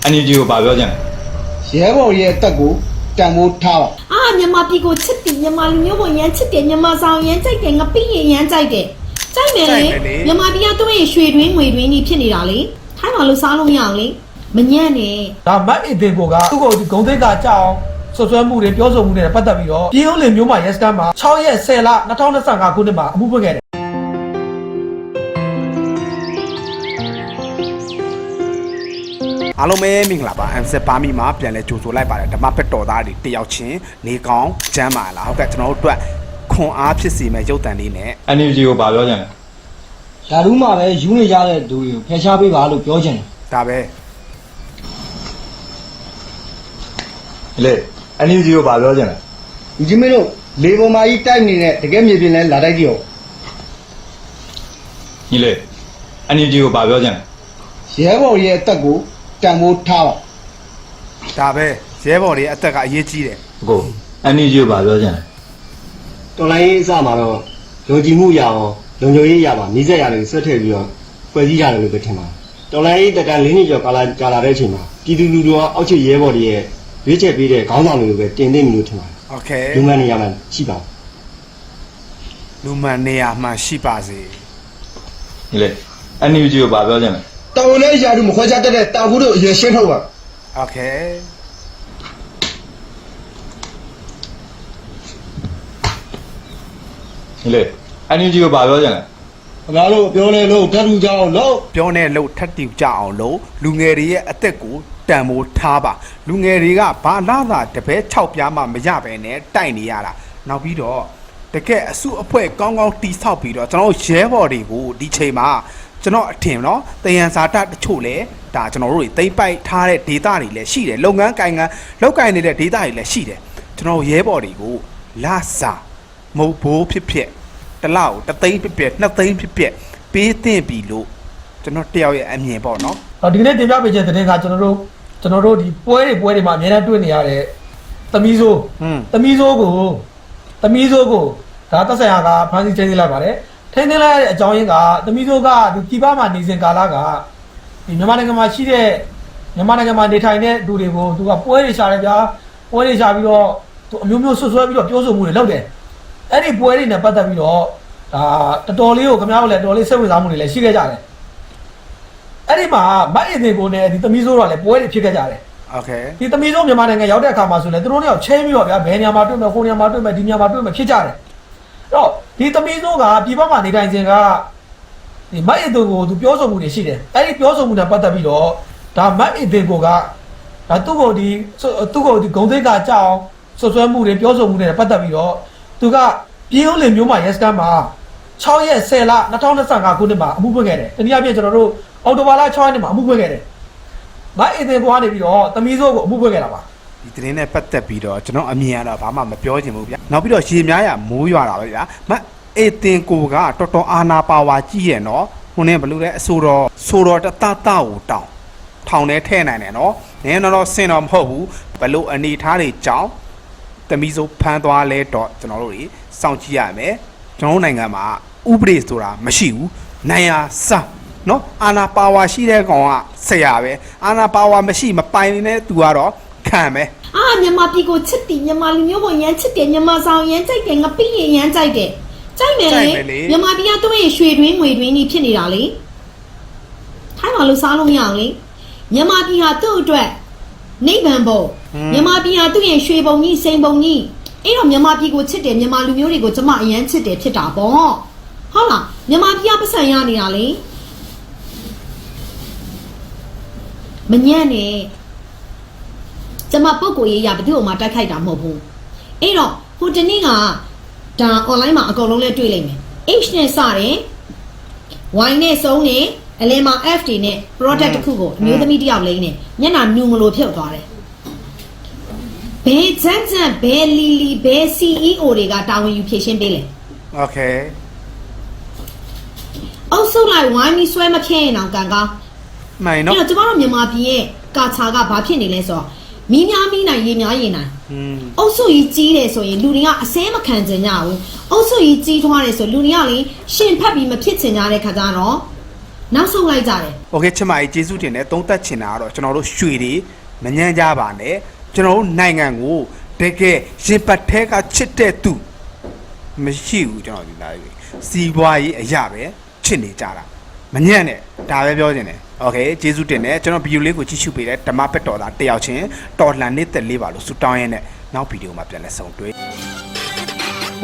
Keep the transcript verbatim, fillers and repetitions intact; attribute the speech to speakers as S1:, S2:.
S1: အန်ယူဂျီကိုဘာပြောချင်လဲ
S2: ရဲဘော်ရဲ့တက်ကိုတန်ဖိုးထားပါ
S3: အာမြန်မာပြည်ကိုချစ်တယ်မြန်မာလူမျိုးကိုရမ်းချစ်တယ်မြန်မာဆောင်ရမ်းကြိုက်တယ်ငပိရင်ရမ်းကြိုက်တယ်ကြိုက်မယ်လေမြန်မာပြည်ကသူ့ရဲ့ရွှေတွင်းငွေတွင်းကြီးဖြစ်နေတာလေထိုင်းမှာလို့စားလို့ရအောင်လေမညံ့နဲ့
S4: ဒါမတ်အစ်တင်ကိုကသူ့ကိုဒီဂုံသိက္ခာကြောက်ဆွဆွဲမှုတွေပြောဆိုမှုတွေနဲ့ပတ်သက်ပြီးတော့ပြည်ဦးလင်မျိုးမှာရဲစခန်းမှာ၆ရက်၁၀လ၂၀၂၅ခုနှစ်မှာအမှုဖွင့်ခဲ့တယ်
S5: အားလုံးပဲမင်္ဂလာပါ M Z ပါမီမှာပြန်လဲကြိုဆိုလိုက်ပါတယ်ဓမ္မဖက်တော်သားတွေတယောက်ချင်းနေကောင်းကျမ်းပါလားဟုတ်ကဲ့ကျွန်တော်တို့အတွက်ခွန်အားဖြစ်စေမဲ့ရုပ်တံလေးနဲ့
S1: အန်ယူဂျီကိုဘာပြောချင်လဲ
S2: ယာလူးမှာပဲယူနေကြတဲ့သူတွေကိုဖယ်ရှားပေးပါလို့ပြောချင်တယ်
S5: ဒါပဲ
S1: လေအန်ယူဂျီကိုဘာပြောချင်လဲ
S2: ဒီကြီးမင်းတို့လေပေါ်မှာကြီးတိုက်နေတဲ့တကယ်မြေပြင်လဲလာတိုက်ကြည့်အောင်
S1: ညီလေအန်ယူဂျီကိုဘာပြောချင်လဲ
S2: ရဲဘော်ရဲ့တက်ကိုတန်ဖိုးထားပါ
S5: ဒါပဲရဲဘော်တွေအသက်ကအရေးကြီးတယ်
S1: ကိုအန်ယူဂျီကိုဘာပြောချင်လဲ
S2: တော်လိုင်းရေးအစမှာတော့ယုံကြည်မှုရအောင်လုံခြုံရေးရပါနှိစက်ရတယ်ဆွတ်ထည့်ပြီးတော့ဖွဲ့စည်းရတယ်လို့ပဲထင်ပါတယ်တော်လိုင်းရေးတက်တန်လေးနှစ်ကျော်ကာလကြာလာတဲ့အချိန်မှာပြည်သူလူထုကအောက်ခြေရဲဘော်တွေရဲ့ရွေးချယ်ပေးတဲ့ခေါင်းဆောင်တွေကိုပဲတင်သိပြီလို့ထင်ပါတယ်
S5: โอเค
S2: လူမှန်နေရာမှာရှိပါ
S5: လူမှန်နေရာမှာရှိပါစေ
S1: ညီလေအန်ယူဂျီကိုဘာပြောချင်လဲ
S2: တော်ဝင်လေးယာလူမခွဲခြားတတ်တဲ့တာဘူးတို့အရင်ရှင်းထုတ်ပါ
S5: โอเค
S1: ညီလေအန်ယူဂျီကိုဘာပြောချင်လဲ
S2: ခင်ဗျားတို့ပြောနေလို့ထပ်ထူကြအောင်လို့
S5: ပြောနေလို့ထပ်တူကြအောင်လို့လူငယ်တွေရဲ့အသက်ကိုတန်ဖိုးထားပါလူငယ်တွေကဘာလာသာတပည့်၆ပြားမှမရပဲနဲ့တိုက်နေရတာနောက်ပြီးတော့တကယ်အစုအဖွဲ့ကောင်းကောင်းတီဆောက်ပြီးတော့ကျွန်တော်ရဲဘော်တွေကိုဒီချိန်မှာကျွန်တော်အထင်နော်တယံဇာတတချို့လဲဒါကျွန်တော်တို့တွေသိမ့်ပိုက်ထားတဲ့ဒေတာတွေလည်းရှိတယ်လုပ်ငန်းကိုင်ငန်းလောက်ကိုင်နေတဲ့ဒေတာတွေလည်းရှိတယ်ကျွန်တော်ရဲဘော်တွေကိုလာစာမဟုတ်ဘိုးဖြစ်ဖြစ်တလောက်တသိန်းဖြစ်ဖြစ်နှစ်သိန်းဖြစ်ဖြစ်ပေးသင့်ပြီလို့ကျွန်တော်တယောက်ရဲ့အမြင်ပေါ့နော်
S4: ဒီနေ့တင်ပြပေးချက်တဲ့ကကျွန်တော်တို့ကျွန်တော်တို့ဒီပွဲတွေပွဲတွေမှာအများအားတွေ့နေရတဲ့သမီးစိုးသမီးစိုးကိုသမီးစိုးကိုဒါသက်ဆိုင်ရာကဖန်ဆီးချင်းသိလိုက်ပါတယ်ထိန်းသိမ်းလိုက်တဲ့အကြောင်းရင်းကသမီးစိုးကဒီပြည်ပမှာနေစဉ်ကာလကဒီမြန်မာနိုင်ငံမှာရှိတဲ့မြန်မာနိုင်ငံမှာနေထိုင်တဲ့လူတွေကိုသူကပွဲတွေရှာတယ်ဗျာပွဲတွေရှာပြီးတော့သူအမျိုးမျိုးဆွဆွဲပြီးတော့ပြောဆိုမှုတွေလုပ်တယ်အဲ့ဒီပွဲတွေနဲ့ပတ်သက်ပြီးတော့ဒါတော်တော်လေးကိုခင်ဗျားတို့လည်းတော်တော်လေးစိတ်ဝင်စားမှုတွေလည်းရှိခဲ့ကြတယ်အဲ့ဒီမှာမတ်အင်တင်ကိုနဲ့ဒီသမီးစိုးတော့လည်းပွဲတွေဖြစ်ခဲ့ကြတယ်
S5: โอเค
S4: ဒီသမီးစိုးမြန်မာနိုင်ငံရောက်တဲ့အခါမှာဆိုလည်းသူတို့တွေချင်းပြီးတော့ဗျာဘယ်နေရာမှာတွေ့မယ်ဟိုနေရာမှာတွေ့မယ်ဒီနေရာမှာတွေ့မယ်ဖြစ်ကြတယ်အဲ့တော့ဒီသမီးစိုးကပြည်ပမှာနေထိုင်ခြင်းကဒီမတ်အင်တင်ကိုသူပြောဆိုမှုတွေရှိတယ်အဲ့ဒီပြောဆိုမှုနဲ့ပတ်သက်ပြီးတော့ဒါမတ်အင်တင်ကိုကဒါသူ့ကိုဒီသူ့ကိုဒီဂုံသိက္ခာကြောက်ဆွဆွဲမှုတွေပြောဆိုမှုတွေနဲ့ပတ်သက်ပြီးတော့သူကပြည်ဦးလင်မျိုးမှာရဲစခန်းမှာ၆ရက်၁၀လ၂၀၂၅ခုနှစ်မှာအမှုဖွင့်ခဲ့တယ်တနည်းအားဖြင့်ကျွန်တော်တို့အော်တိုဘာလ၆ရက်နေ့မှာအမှုဖွင့်ခဲ့တယ်မအင်တင်ကိုကနေပြီးတော့သမီးစိုးကိုအမှုဖွင့်ခဲ့တာပါ
S5: ဒီသတင်းနဲ့ပတ်သက်ပြီးတော့ကျွန်တော်အမြင်ကတော့ဘာမှမပြောချင်ဘူးဗျာနောက်ပြီးတော့ရေများရမိုးရွာတာပဲဗျာမအင်တင်ကိုကတော်တော်အာနာပါဝါကြီးရဲ့နော်ဟိုနဲ့ဘလို့လဲအဆိုတော်ဆိုတော်တတတကိုတောင်းထောင်ထဲထဲနိုင်တယ်နော်နင်းတော့ဆင်တော့မဟုတ်ဘူးဘလို့အနေထားတွေကြောင်းသမီးစိုးဖမ်းသွားလဲတော့ကျွန်တော်တို့တွေစောင့်ကြည့်ရမယ်ကျွန်တော်နိုင်ငံမှာဥပဒေဆိုတာမရှိဘူးနိုင်ရစနော်အာနာပါဝါရှိတဲ့ကောင်ကဆရာပဲအာနာပါဝါမရှိမပိုင်နေတဲ့သူကတော့ခံပဲ
S3: အာမြန်မာပြည်ကိုချစ်တယ်မြန်မာလူမျိုးကိုရမ်းချစ်တယ်မြန်မာဆောင်ရမ်းကြိုက်တယ်ငပိရင်ရမ်းကြိုက်တယ်ကြိုက်မယ်လေမြန်မာပြည်ကသူ့ရဲ့ရွှေတွင်းငွေတွင်းကြီးဖြစ်နေတာလေထိုင်းမှာလို့စားလို့ရအောင်လေမြန်မာပြည်ဟာသူ့အတွက်နိဗ္ဗာန်ဘုံမြန်မာပြည်ဟာသူ့ရဲ့ရွှေဘုံကြီးစိန်ဘုံကြီးအဲ့တော့မြန်မာပြည်ကိုချစ်တယ်မြန်မာလူမျိုးတွေကိုကျမအရန်ချစ်တယ်ဖြစ်တာပေါ့ဟုတ်လားမြန်မာပြည်ကပတ်စံရနေတာလေမညံ့နဲ့ကျမပုတ်ကိုရေးရဘယ်သူ့မှတိုက်ခိုက်တာမဟုတ်ဘူးအဲ့တော့ဟိုတနေ့ကဒါ online မှာအကုန်လုံးလဲတွေ့လိမ့်မယ် H နဲ့စတယ် Y နဲ့ဆုံးနေအလင်းမှာ F တွေနဲ့ product တစ်ခုကိုအမျိုးသမီးတစ်ယောက်လိမ့်နေမျက်နှာညူမလို့ဖြုတ်သွားတယ်ဘယ်ဂျန်ဂျန်ဘယ်လီလီဘယ် C E O တွေကတာဝန်ယူဖြည့်ရှင်းပေးလဲ
S5: Okay
S3: အုပ်စုလိုက်ဝိုင်းပြီးဆွဲမဖြစ်ရင်တော့ကန်ကောင်း
S5: မှန်နော်
S3: အဲ့တော့ကျမတို့မြန်မာပြည်ရဲ့ကာချာကဘာဖြစ်နေလဲဆိုတော့မီးများမီးနိုင်ရေများရေနိုင်အုပ်စုကြီးကြီးတယ်ဆိုရင်လူတွေကအစဲမခံကြကြဘူးအုပ်စုကြီးကြီးထွားတယ်ဆိုလူတွေကလေရှင်ဖက်ပြီးမဖြစ်ချင်ကြတဲ့ခါကျတော့နောက်ဆုံးလိုက်ကြတယ်
S5: โอเคချစ်မကြီးကျေးဇူးတင်တယ်သုံးသက်ချင်တာကတော့ကျွန်တော်တို့ရွှေတွေမညံ့ကြပါနဲ့ကျွန်တော်တို့နိုင်ငံကိုတကယ်ရင်ပတ်ထဲကချစ်တဲ့သူမရှိဘူးကျွန်တော်ဒီသားကြီးစီးပွားရေးအရာပဲချစ်နေကြတာမညံ့နဲ့ဒါပဲပြောချင်တယ်โอเคကျေးဇူးတင်တယ်ကျွန်တော်ဗီဒီယိုလေးကိုကြည့်ရှုပေးတယ်ဓမ္မပက်တော်သားတယောက်ချင်းတော်လှန်နေတဲ့လေးပါလို့ဆူတောင်းရင်းနဲ့နောက်ဗီဒီယိုမှာပြန်လဲဆုံတွေ့